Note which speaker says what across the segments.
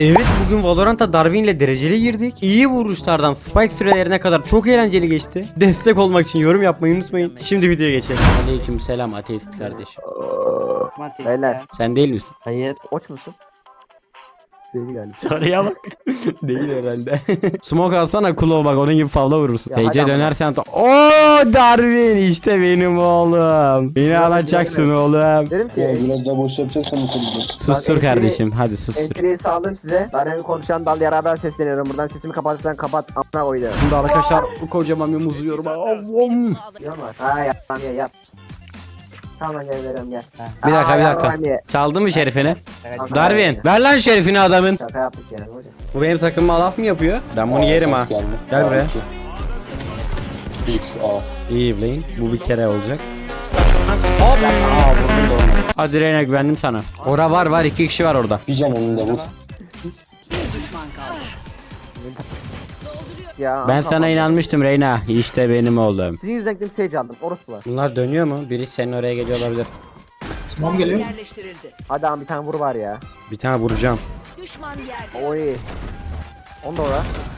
Speaker 1: Evet, bugün Valorant'a Darwin'le dereceli girdik. İyi vuruşlardan spike sürelerine kadar çok eğlenceli geçti. Destek olmak için yorum yapmayı unutmayın. Şimdi videoya geçelim. Aleykümselam ateist kardeşim.
Speaker 2: Beyler.
Speaker 1: Sen değil misin?
Speaker 2: Hayır. Oç musun? Değil galiba.
Speaker 1: Soruya bak. Değil herhalde. Smoke alsana Kulo, bak onun gibi favla vurursun.
Speaker 2: Ya
Speaker 1: TC
Speaker 2: hadi ama.
Speaker 1: dönersen ooo Darwin işte benim oğlum. Beni alacaksın oğlum.
Speaker 2: Dedim ki
Speaker 3: Biraz daha boş yapacaksan mutlu.
Speaker 1: Sustur
Speaker 2: Bak,
Speaker 1: kardeşim, hadi sustur.
Speaker 2: entriyi sağladım size. Ben konuşan dal yaraber sesleniyorum. Buradan sesimi kapatırsan kapat. Amına koydu.
Speaker 1: Şimdi arkadaşlar bu kocaman bir muzu yiyorum. Avom.
Speaker 2: Yapma. Ha yap lan ya yap. Tamam gel veriyorum gel.
Speaker 1: Bir dakika bir
Speaker 2: Aa,
Speaker 1: dakika.
Speaker 2: yapma diye.
Speaker 1: Çaldı mı şerifini?
Speaker 2: Şaka
Speaker 1: Darwin
Speaker 2: yaptık.
Speaker 1: ver lan şerifini adamın.
Speaker 2: Şaka yaptık yani hocam.
Speaker 1: Bu benim takımıma laf mı yapıyor? Ben bunu yerim ha. Gel buraya.
Speaker 3: X, A.
Speaker 1: İyi Evlane. Bu bir kere olacak. Hop. Hadi Reyna, güvendim sana. Ora var iki kişi var orada.
Speaker 3: Bir can önünde vur.
Speaker 2: Ya,
Speaker 1: Ben sana inanmıştım Reyna. İşte benim oğlum.
Speaker 2: Sizin yüzden gittim sage aldım. Orası var.
Speaker 1: Bunlar dönüyor mu? Biri senin oraya geliyor olabilir.
Speaker 4: Yerleştirildi.
Speaker 2: Hadi abi bir tane vur var ya.
Speaker 1: Bir tane vuracağım.
Speaker 4: Düşman yerde.
Speaker 2: Oy. Onu da ora.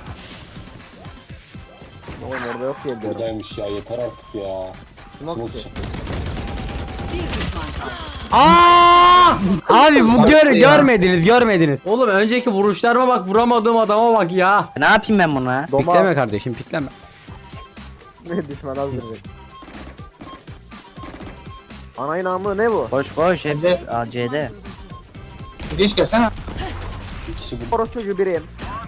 Speaker 2: Oğlum orada yok diye diyorum.
Speaker 3: Buradaymış ya, yeter artık ya.
Speaker 2: Smoke
Speaker 3: Smoke
Speaker 2: ki.
Speaker 4: Bir düşman kaldı.
Speaker 1: Aa! Abi bu görmediniz. Oğlum önceki vuruşlarıma bak, vuramadığım adama bak ya.
Speaker 5: Ne yapayım ben buna?
Speaker 2: Doma.
Speaker 1: Pikleme kardeşim, pikleme.
Speaker 2: Düşman hazır. Ana namı ne bu?
Speaker 5: Koş koş hepsi AC'de.
Speaker 3: Bir kişi bu.
Speaker 2: Orası çocuğu biriyim.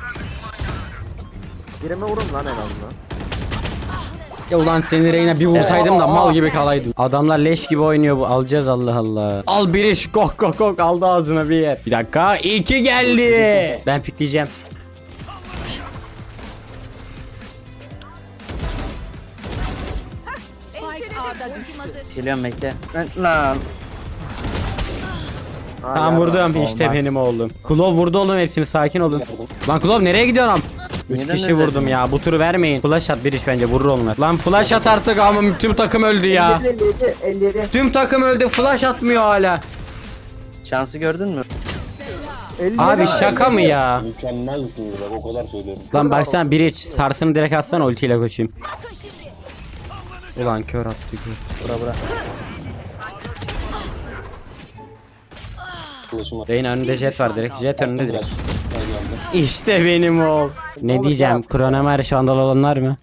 Speaker 2: Birime vurun lan en azından.
Speaker 1: Ya ulan seni Reyna bir vursaydım da mal gibi kalaydın. Adamlar leş gibi oynuyor, bu alacağız Allah Allah. Al bir iş, kok aldı ağzına bir yer. Bir dakika, 2 geldi. Ben pikleyeceğim.
Speaker 4: Spike A'da düştü.
Speaker 5: Geliyorum bekle. Lan.
Speaker 1: Tamam vurdum, işte
Speaker 5: Olmaz.
Speaker 1: benim oğlum. Klov vurdu oğlum, hepsini, sakin olun. Lan Klov nereye gidiyorsun am? 3
Speaker 5: Neden
Speaker 1: kişi
Speaker 5: öyle
Speaker 1: vurdum
Speaker 5: dedin?
Speaker 1: ya, bu turu vermeyin. Flash at bir iş, bence vurur onlar. Lan flash at artık ama tüm takım öldü ya.
Speaker 2: 57.
Speaker 1: Tüm takım öldü, flash atmıyor hala.
Speaker 5: Şansı gördün mü?
Speaker 2: 57.
Speaker 1: Abi şaka mı ya?
Speaker 3: Mükemmelsiniz bak, o kadar söylüyorum.
Speaker 1: Lan baksana bir iç, sarsını direkt atsana, ultiyle koşayım. Ulan kör attı kör.
Speaker 5: Bura.
Speaker 3: Kılıçım var.
Speaker 1: Reyna önünde jet var direkt. Jet önünde direkt.
Speaker 3: Geldi.
Speaker 1: İşte benim oğul. Ne diyeceğim? Kronomer şu anda olanlar mı?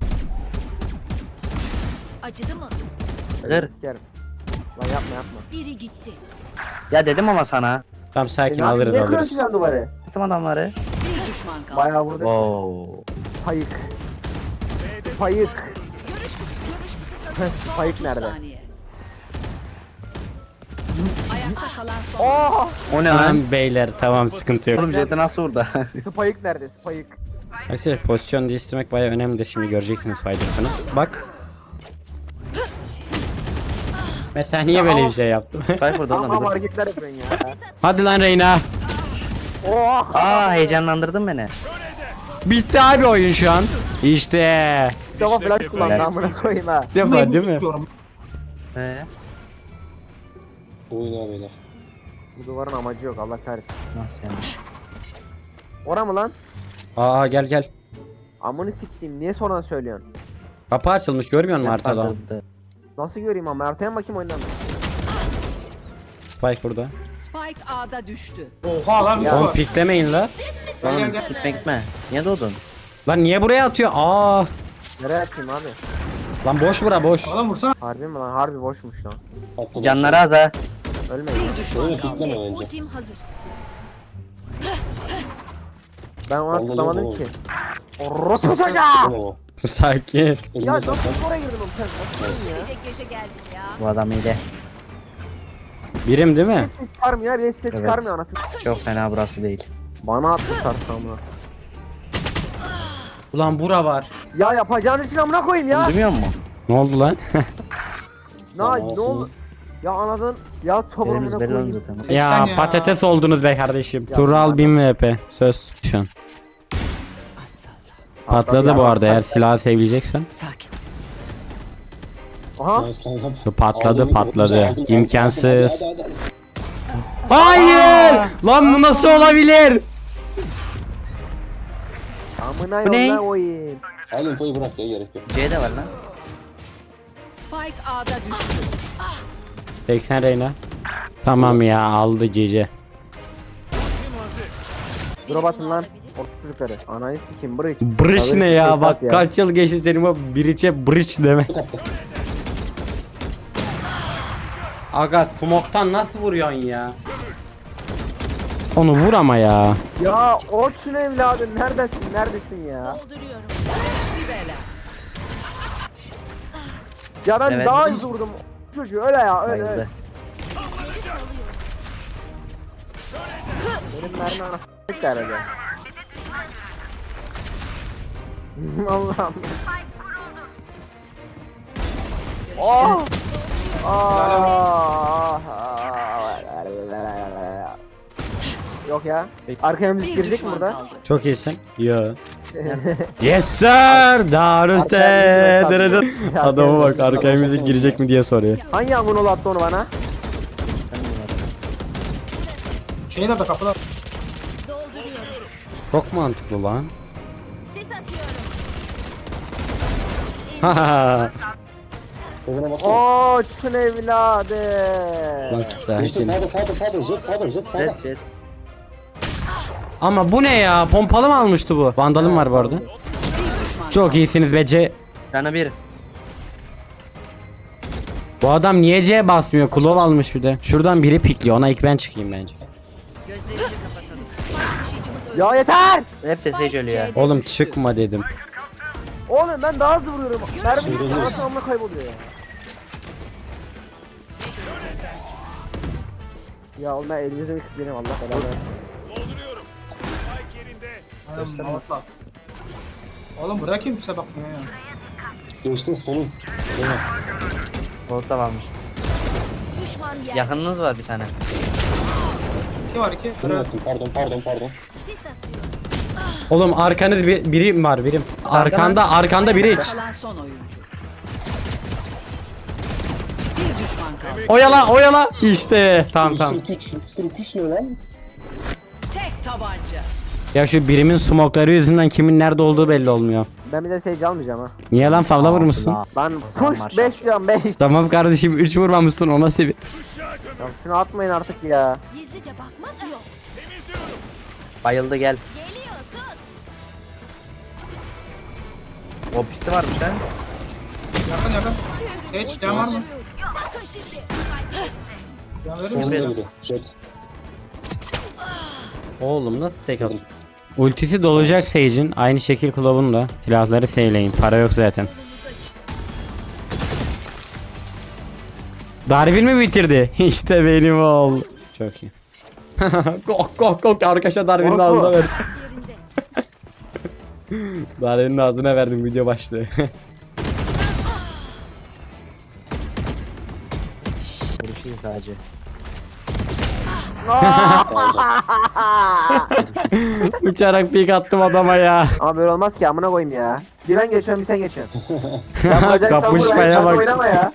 Speaker 4: Acıdı mı?
Speaker 5: Gır.
Speaker 2: Sikerim. Lan yapma.
Speaker 4: Biri gitti.
Speaker 5: Ya dedim ama sana.
Speaker 1: Tamam sakin, alırız
Speaker 2: Niye
Speaker 1: alırız.
Speaker 2: kırıyorsun sen duvarı?
Speaker 5: Attım adamları.
Speaker 4: Bir düşman kaldı.
Speaker 2: Bayağı vurduk.
Speaker 5: Oo.
Speaker 2: Spayık. Spayık. Spike nerede?
Speaker 4: Saniye. Ayakta kalan son.
Speaker 2: Oh!
Speaker 5: O ne lan?
Speaker 1: Tamam beyler, tamam sıkıntı yok.
Speaker 5: Oğlum jeti nasıl vurdu?
Speaker 2: Spayık nerede? Spayık.
Speaker 1: Arkadaşlar pozisyon değiştirmek bayağı önemli, şimdi göreceksiniz faydasını. Bak. Mesela niye böyle bir şey yaptım?
Speaker 5: Spike vurdu
Speaker 2: Ama
Speaker 5: oğlum. dur.
Speaker 2: hareketler yapıyorsun ya.
Speaker 1: Hadi lan Reyna.
Speaker 2: Oh!
Speaker 5: Aa heyecanlandırdın beni.
Speaker 1: Bitti abi oyun şu an. İşte.
Speaker 2: Kafa flash kullandı amına koyayım ha.
Speaker 1: Defa değil mi?
Speaker 3: Oyun beyler.
Speaker 2: Bu duvarın amacı yok Allah kahretsin.
Speaker 5: Nasıl yani?
Speaker 2: Ora mı lan?
Speaker 1: Aa gel.
Speaker 2: Amını siktiğim niye sonradan söylüyorsun?
Speaker 1: Kapı açılmış, görmüyor musun haritada?
Speaker 5: Patladı.
Speaker 2: Nasıl göreyim ama haritaya mı bakayım oyundan?
Speaker 1: Spike burada.
Speaker 4: Spike A'da düştü.
Speaker 1: Oğlum piklemeyin la.
Speaker 5: Oğlum gitme. Niye doğdun?
Speaker 1: Lan niye buraya atıyor? Aa.
Speaker 2: Nereye atayım abi?
Speaker 1: Lan boş bura boş.
Speaker 2: Harbi mi lan? Harbi boşmuş lan.
Speaker 3: Atladım.
Speaker 5: Canları az ha.
Speaker 2: Ölmeyin.
Speaker 4: Bir düşman
Speaker 3: Öyle
Speaker 4: kaldı.
Speaker 3: pikleme bence.
Speaker 4: Ultim hazır.
Speaker 2: Ben ona
Speaker 3: Vallahi
Speaker 2: tıklamadım
Speaker 3: yok
Speaker 2: ki. Orospu çocuğa!
Speaker 3: Tamam.
Speaker 1: Sakin.
Speaker 2: Ya
Speaker 3: Elimde
Speaker 2: nasıl
Speaker 3: zaten.
Speaker 2: oraya girdim oğlum sen? Nasıl ya?
Speaker 4: Gelecek yaşa geldim ya.
Speaker 5: Bu adam iyi.
Speaker 1: Birim değil mi?
Speaker 2: Ses çıkarmıyor ya, ses çıkarmıyor anasını.
Speaker 5: Çok fena burası değil.
Speaker 2: Bana attı sarsamını.
Speaker 1: Ulan bura var.
Speaker 2: Ya yapacağın için amına koyayım ya.
Speaker 5: Duymuyor musun?
Speaker 1: Ne oldu lan?
Speaker 2: Ne oldu? Ya anladın? Ya topuğunu
Speaker 5: Yerimiz belli
Speaker 2: koyayım.
Speaker 5: oldu tamam.
Speaker 1: Ya patates oldunuz be kardeşim. Tural 1000 VP. Söz. Şu an. Patladı bu arada, eğer silahı seveceksen.
Speaker 4: Sakin.
Speaker 2: Aha.
Speaker 1: Patladı.
Speaker 3: Aldım.
Speaker 1: İmkansız.
Speaker 3: Hadi.
Speaker 1: Hayır! Lan bu nasıl olabilir?
Speaker 2: Amına
Speaker 5: Bu ne?
Speaker 2: yolla oyun.
Speaker 3: Al infoyu bırak ya, gerek yok.
Speaker 5: C de var lan.
Speaker 4: Spike A'da düştü.
Speaker 1: 80 Reyna. Tamam ya aldı Cici.
Speaker 2: Drop atın lan. O çocukları. Anayı sikim bridge.
Speaker 1: Bridge ne ya? Bak
Speaker 2: ya.
Speaker 1: kaç yıl geçti senin bu bridge'e bridge deme. Aga smoke'tan nasıl vuruyorsun ya? Onu vur ama ya.
Speaker 2: Ya Orçun evladım neredesin? Neredesin ya?
Speaker 4: Dolduruyorum. Bir bela.
Speaker 2: Ya ben
Speaker 5: Evet.
Speaker 2: daha hızlı vurdum. Çocuğu öyle ya öyle öyle.
Speaker 5: Bayıldı.
Speaker 2: Benim mermi anasını s**k herhalde. Allah'ım. Oh! Yok ya. Arkaya müzik
Speaker 4: Bir
Speaker 2: girecek mi
Speaker 4: düşman
Speaker 2: burada?
Speaker 4: kaldı.
Speaker 1: Çok iyisin. Yo. Yes sir. Darüste.
Speaker 2: Arkaya müzik var.
Speaker 1: Adama bak arkaya müzik girecek mi diye soruyor.
Speaker 2: Hangi amına attı onu bana?
Speaker 6: Şey nerede kapıda?
Speaker 1: Çok mantıklı lan.
Speaker 4: Sis atıyorum.
Speaker 3: Kovuna baksana.
Speaker 2: Orçun evladı.
Speaker 1: Nasıl
Speaker 3: İşte
Speaker 1: sakin.
Speaker 3: sağda, jet sağda.
Speaker 5: Jet jet.
Speaker 1: Ama bu ne ya? Pompalı mı almıştı bu? Vandalım var bu arada. Çok iyisiniz be C.
Speaker 5: Canı bir.
Speaker 1: Bu adam niye C basmıyor? Klov almış bir de. Şuradan biri pikliyor. Ona ilk ben çıkayım bence.
Speaker 4: Gözlerini kapatalım. Spike taşıyıcımız öldü.
Speaker 2: Ya yeter.
Speaker 5: Hep de Sage ölüyor.
Speaker 4: C'de
Speaker 1: Oğlum
Speaker 4: düştü.
Speaker 1: çıkma dedim.
Speaker 2: Oğlum ben daha hızlı vuruyorum. Mermi anasını amına kayboluyor ya. Ya oğlum ben elinize bir tıklayayım Allah belanı versin.
Speaker 6: Mavatla. Oğlum buraya kimse bakmıyor ya.
Speaker 3: Geçtin solun. Reyna.
Speaker 5: Bolt'ta varmış.
Speaker 4: Düşman yer.
Speaker 5: Yakınınız var bir tane.
Speaker 6: 2 var 2.
Speaker 3: Bunu yaptım, pardon.
Speaker 4: Sis atıyor.
Speaker 1: Oğlum arkanız biri var birim. Arkanda biri iç.
Speaker 4: Kalan son oyuncu. Bir düşman kaldı.
Speaker 1: Oyala. İşte. Tamam.
Speaker 3: 143 ne lan?
Speaker 4: Tek tabanca.
Speaker 1: Ya şu birimin smokları yüzünden kimin nerede olduğu belli olmuyor.
Speaker 2: Ben bir de Sage almayacağım ha.
Speaker 1: Niye lan favla vurmuşsun?
Speaker 2: Ben push 5 diyorum 5.
Speaker 1: Tamam kardeşim 3 vurmamışsın ona sevi.
Speaker 2: Ya şunu atmayın artık ya.
Speaker 4: Gizlice bakmak yok.
Speaker 5: Bayıldı gel.
Speaker 4: Geliyor tut.
Speaker 5: O pisi varmış lan.
Speaker 6: Yakın. Geç can var mı?
Speaker 4: Bakın şimdi.
Speaker 6: Can verir misin?
Speaker 3: Solunda biri. Jet.
Speaker 1: Oğlum nasıl tek atıyor? Ultisi dolacak Sage'in. Aynı şekil Klov'un da. Silahları seyleyin. Para yok zaten. Darwin mi bitirdi? İşte benim oğul. Çok iyi. Kok arkadaşa Darwin'in ağzına verdim. Darwin'in ağzına verdim video başlığı.
Speaker 5: Vuruş iyi sadece.
Speaker 1: Uçarak pik attım adama ya.
Speaker 2: Ama böyle olmaz ki amına koyayım ya. Bir ben geçiyorum bir sen geçiyorsun. Ya vuracaksan vur,
Speaker 1: Kapışmaya
Speaker 2: sen
Speaker 1: bak.
Speaker 2: Oynama ya.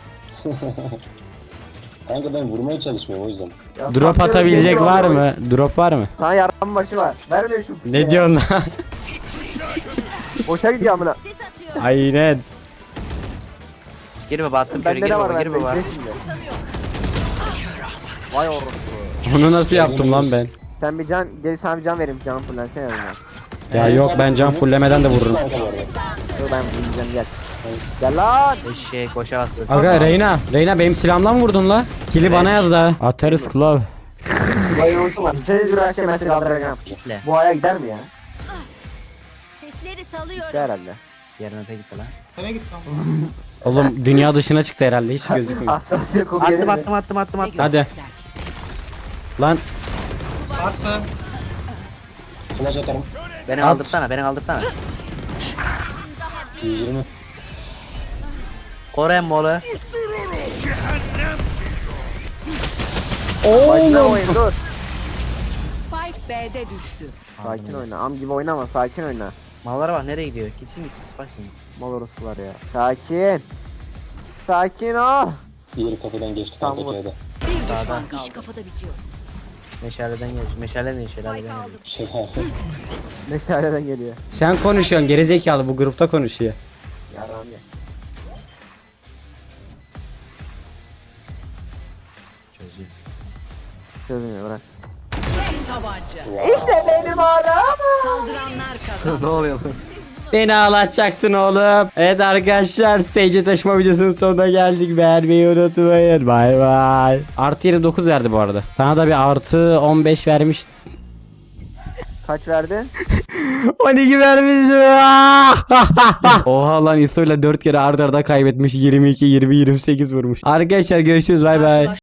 Speaker 3: Kanka ben vurmaya çalışmıyorum o yüzden.
Speaker 2: Ya
Speaker 1: Drop
Speaker 2: sapıyorum,
Speaker 1: atabilecek
Speaker 2: geçiyorum,
Speaker 1: var
Speaker 2: amına
Speaker 1: mı? Drop var mı?
Speaker 2: Sana yardım başı var. Vermiyor şu.
Speaker 1: Ne diyorsun lan?
Speaker 2: Boşa gidiyor amına.
Speaker 4: Sis atıyor.
Speaker 1: Aynen.
Speaker 5: Gir baba attım körü
Speaker 2: Bende
Speaker 5: gir
Speaker 2: de var
Speaker 5: baba gir
Speaker 2: bende.
Speaker 5: baba.
Speaker 2: izle şimdi. Vay orospu.
Speaker 1: Bunu nasıl yaptım lan ben?
Speaker 2: Sen bir can, gel sana bir can vereyim canım fullensene yanına.
Speaker 1: Ya yok ben can fullemeden de vururum.
Speaker 3: Kanka bu arada.
Speaker 2: Dur ben fullleyeceğim gel. Gel lan.
Speaker 5: Eşeğe koşa bastı.
Speaker 1: Aga Reyna benim silahımla mı vurdun la? Kili bana yaz da. Atarız Klov.
Speaker 2: Vay unutma. Seni dur şey mesela kaldıracağım.
Speaker 5: Kitle.
Speaker 2: Bu aya gider mi ya?
Speaker 4: Sesleri salıyorum.
Speaker 2: Gider herhalde.
Speaker 5: Yarın öte gitti lan.
Speaker 6: Nereye gitti lan?
Speaker 1: Oğlum dünya dışına çıktı herhalde hiç gözükmüyor.
Speaker 2: Hassasiyet kodu gelir
Speaker 5: Attım
Speaker 2: mi?
Speaker 5: attım.
Speaker 1: Hadi. Lan
Speaker 6: Varsa
Speaker 3: Flash atarım.
Speaker 5: Beni
Speaker 1: At.
Speaker 5: kaldırsana.
Speaker 3: 120.
Speaker 5: Koren molu.
Speaker 2: Başına oyun dur.
Speaker 4: Spike B'de düştü.
Speaker 2: Sakin oyna. Am gibi oynama. Sakin oyna.
Speaker 5: Mallara bak nereye gidiyor? Gitsin baksın.
Speaker 2: Mal orospular ya. Sakin. Sakin ol.
Speaker 3: Diğeri kafadan geçti
Speaker 2: Tamam,
Speaker 3: kanka
Speaker 2: vur.
Speaker 3: C'de.
Speaker 4: Bir düşman kaldı. İş kafada bitiyor.
Speaker 5: Meşaleden geç. Meşale ne işe?
Speaker 4: Spike aldım.
Speaker 3: Şey abi.
Speaker 2: Meşaleden geliyor.
Speaker 1: Sen konuşuyorsun gerizekalı, bu grupta konuşuyor.
Speaker 2: Yaram ya.
Speaker 5: Çözüyor.
Speaker 2: Çözmüyor bırak.
Speaker 4: Tek tabanca.
Speaker 2: İşte benim adam.
Speaker 4: Saldıranlar kazandı.
Speaker 2: Ne oluyor?
Speaker 1: Beni ağlatacaksın oğlum. Evet arkadaşlar, Sage'e taşıma videosunun sonuna geldik. Beğenmeyi unutmayın. Bay bay. Artı 29 verdi bu arada. Sana da bir artı 15 vermiş.
Speaker 2: Kaç verdi?
Speaker 1: 12 vermiş. Oha lan, İso'yla 4 kere arda arda kaybetmiş. 22, 20, 28 vurmuş. Arkadaşlar görüşürüz, bay bay.